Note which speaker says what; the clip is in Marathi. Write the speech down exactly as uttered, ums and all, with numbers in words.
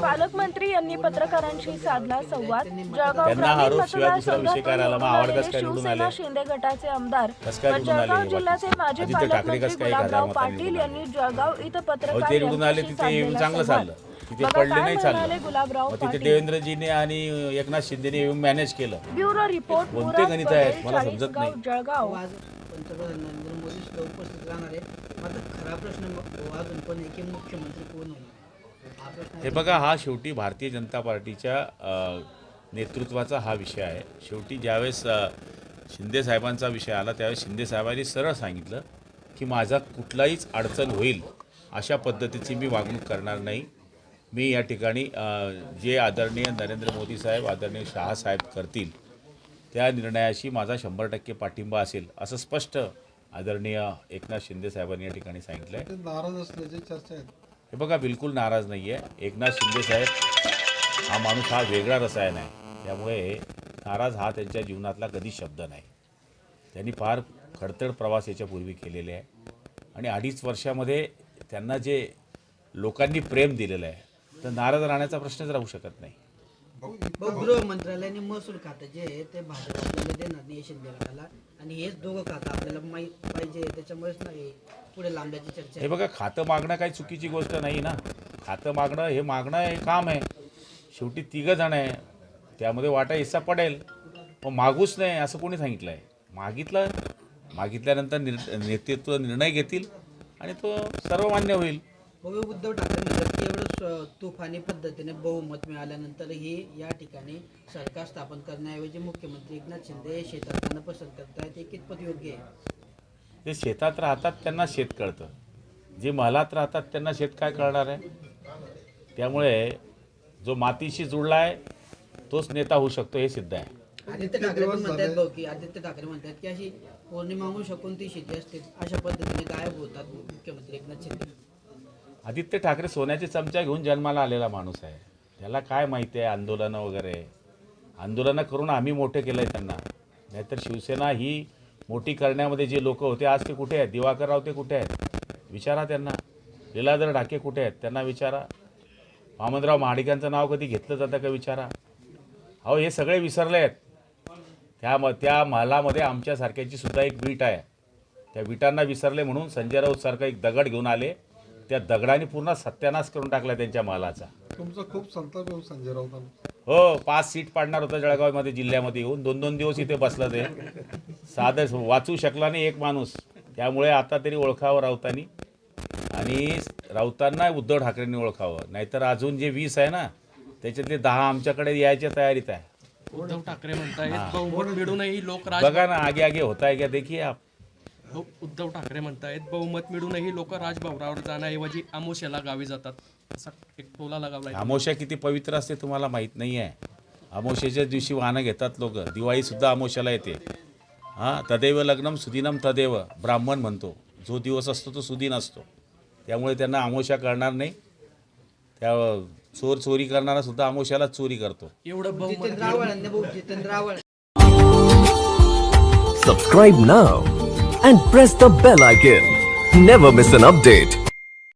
Speaker 1: पालकमंत्री यांनी पत्रकारांशी साधला संवाद। जळगाव
Speaker 2: त्यांना
Speaker 1: ग्रामीण
Speaker 2: आरोप शिवाय दुसरा विषय
Speaker 1: मतदारसंघातून
Speaker 2: काय आला? मग आवड कसं काय निवडून
Speaker 1: शिवसेना
Speaker 2: आले?
Speaker 1: शिंदे गटाचे आमदार
Speaker 2: कसं काय
Speaker 1: व
Speaker 2: निवडून आले?
Speaker 1: जळगाव जिल्ह्याचे माजी
Speaker 2: आदित्य ठाकरे
Speaker 1: पालकमंत्री
Speaker 2: कसं काय
Speaker 1: गुलाबराव
Speaker 2: घरात
Speaker 1: पाटील
Speaker 2: निवडून
Speaker 1: यांनी जळगाव इथं
Speaker 2: अहो,
Speaker 1: पत्रकार
Speaker 2: ते निवडून आले
Speaker 1: यांच्याशी
Speaker 2: तिथे येऊन
Speaker 1: साधलेला
Speaker 2: चांगलं
Speaker 1: संवाद।
Speaker 2: चाललं, तिथे
Speaker 1: बघा
Speaker 2: पडले
Speaker 1: काय
Speaker 2: नाही
Speaker 1: म्हणाले
Speaker 2: चाललं।
Speaker 1: गुलाबराव
Speaker 2: मग तिथे
Speaker 1: पाटील।
Speaker 2: देवेंद्रजीने आणि एकनाथ शिंदेने येऊन मॅनेज केलं।
Speaker 1: ब्युरो रिपोर्ट
Speaker 2: कोणते
Speaker 1: मुराद
Speaker 2: गणित आहेत
Speaker 1: पटेल,
Speaker 2: मला समजत
Speaker 1: चाळीसगाव,
Speaker 2: नाही।
Speaker 1: जळगाव।
Speaker 3: आज पंतप्रधान नरेंद्र मोदी सुद्धा उपस्थित राहणार आहे। मात्र खरा प्रश्न अजून पण आहे की मुख्यमंत्री कोण होणार हा प्रश्न
Speaker 2: हे बघा, हा शेवटी भारतीय जनता पार्टीच्या अ, नेतृत्वाचा हा विषय आहे। शेवटी ज्यावेळेस अ, शिंदे साहेबांचा विषय आला त्यावेळेस शिंदे साहेबांनी सरळ सांगितलं की माझा कुठलाहीच अडचण होईल अशा पद्धतीची मी वागणूक करणार नाही। मी या ठिकाणी अ, जे आदरणीय नरेंद्र मोदी साहेब आदरणीय शहा साहेब करतील त्या निर्णयाशी माझा शंभर टक्के पाठिंबा असेल असं स्पष्ट आदरणीय एकनाथ शिंदे साहेबांनी या ठिकाणी सांगितलं आहे।
Speaker 4: नाराज असल्याची चर्चा आहे।
Speaker 2: हे बघा, बिलकुल नाराज नाही आहे। एकनाथ शिंदे साहेब हा माणूस हा वेगळा रसायन आहे, त्यामुळे नाराज हा त्यांच्या जीवनातला कधी शब्द नाही। त्यांनी फार खडतड प्रवास याच्यापूर्वी केलेले आहे आणि अडीच वर्षामध्ये त्यांना जे लोकांनी प्रेम दिलेलं आहे तर नाराज राहण्याचा प्रश्नच राहू शकत नाही।
Speaker 3: गृह मंत्रालयाने महसूल खातं जे आहे ते भाजप आपल्याला देणार नाही शिंदे गटाला आणि हेच दोघं खातं आपल्याला माहीत पाहिजे, त्याच्यामुळेच नाही पुढे लांबल्याची चर्चा
Speaker 2: हे बघा, खातं मागणं काही चुकीची गोष्ट नाही ना। खातं मागणं हे मागणं हे काम आहे। शेवटी तिघं जण आहे, त्यामध्ये वाटा हिस्सा पडेल, मग मागूच नाही असं कोणी सांगितलं आहे? मागितलं, मागितल्यानंतर निर नेतृत्व निर्णय घेतील आणि तो सर्वमान्य होईल।
Speaker 3: बघू उद्धव ठाकरे म्हणतात की एवढं स- तुफानी पद्धतीने बहुमत मिळाल्यानंतरही या ठिकाणी सरकार स्थापन करण्याऐवजी मुख्यमंत्री एकनाथ शिंदे हे शेतात जाणं पसंत करतायत, हे कितपत योग्य आहे?
Speaker 2: जे शेतात राहतात त्यांना शेत कळतं, जे महलात राहतात त्यांना शेत काय कळणार आहे? त्यामुळे जो मातीशी जुळला आहे तोच नेता होऊ शकतो हे सिद्ध आहे।
Speaker 3: आदित्य ठाकरे पण म्हणतात भाऊ की आदित्य ठाकरे म्हणतात की अशी पौर्णिमा शकून ती शेती असते अशा पद्धतीने गायब होतात मुख्यमंत्री एकनाथ शिंदे।
Speaker 2: आदित्य ठाकरे सोन्याचे चमचा घेऊन जन्माला आलेला माणूस आहे, त्याला काय माहिती आहे आंदोलनं वगैरे? आंदोलनं करून आम्ही मोठे केलं आहे त्यांना, नाहीतर शिवसेना ही मोठी करण्यामध्ये जे लोक होते आज ते कुठे आहेत? दिवाकर राव ते कुठे आहेत? विचारा त्यांना। लीलाधर ढाके कुठे आहेत? त्यांना विचारा। वामनराव महाडिकांचं नाव कधी घेतलं जातं का? विचारा। अहो, हे सगळे विसरले आहेत। त्या म त्या महालामध्ये आमच्यासारख्याची सुद्धा एक वीट आहे, त्या विटांना विसरले म्हणून संजय राऊतसारखा एक दगड घेऊन आले, त्या दगडाने पूर्ण सत्यानाश करून टाकला त्यांच्या महालाचा।
Speaker 4: तुमचा खूप संताप येऊ संजय राऊतांना।
Speaker 2: हो, पाच सीट पाडणार होता जळगावमध्ये जिल्ह्यामध्ये येऊन, दोन दोन दिवस इथे बसलं ते, साधं वाचू शकला नाही एक माणूस। त्यामुळे आता तरी ओळखावं राऊतांनी आणि राऊतांना उद्धव ठाकरेंनी ओळखावं, नाहीतर अजून जे वीस आहे ना त्याच्यातले दहा आमच्याकडे यायच्या तयारीत आहे।
Speaker 5: उद्धव ठाकरे म्हणतायत बहुमत मिळूनही लोक राज
Speaker 2: बघा ना, आगे आगे होता है क्या देखिए आप।
Speaker 5: उद्धव ठाकरे म्हणतायत बहुमत मिळूनही लोक राजभवनावर जाण्याऐवजी आमोशाला गावी जातात, असा एक टोला लगावलाय।
Speaker 2: अमावस्या किती पवित्र असते तुम्हाला माहीत नाही आहे? अमावस्येच्या दिवशी वाहनं घेतात लोक, दिवाळीसुद्धा अमावस्याला येते। हां, तदेव लग्नम सुदिनम तदेव ब्राह्मण म्हणतो, जो दिवस असतो तो सुदिन असतो, त्यामुळे त्यांना अमावस्या करणार नाही। त्या चोर चोरी करणारा सुद्धा अमावस्यालाच चोरी करतो।
Speaker 5: एवढं बहुमत
Speaker 3: जितेंद्र आव्हाडांनी भाऊ Jitendra Awhad
Speaker 6: Subscribe now and press the bell icon. Never miss an update.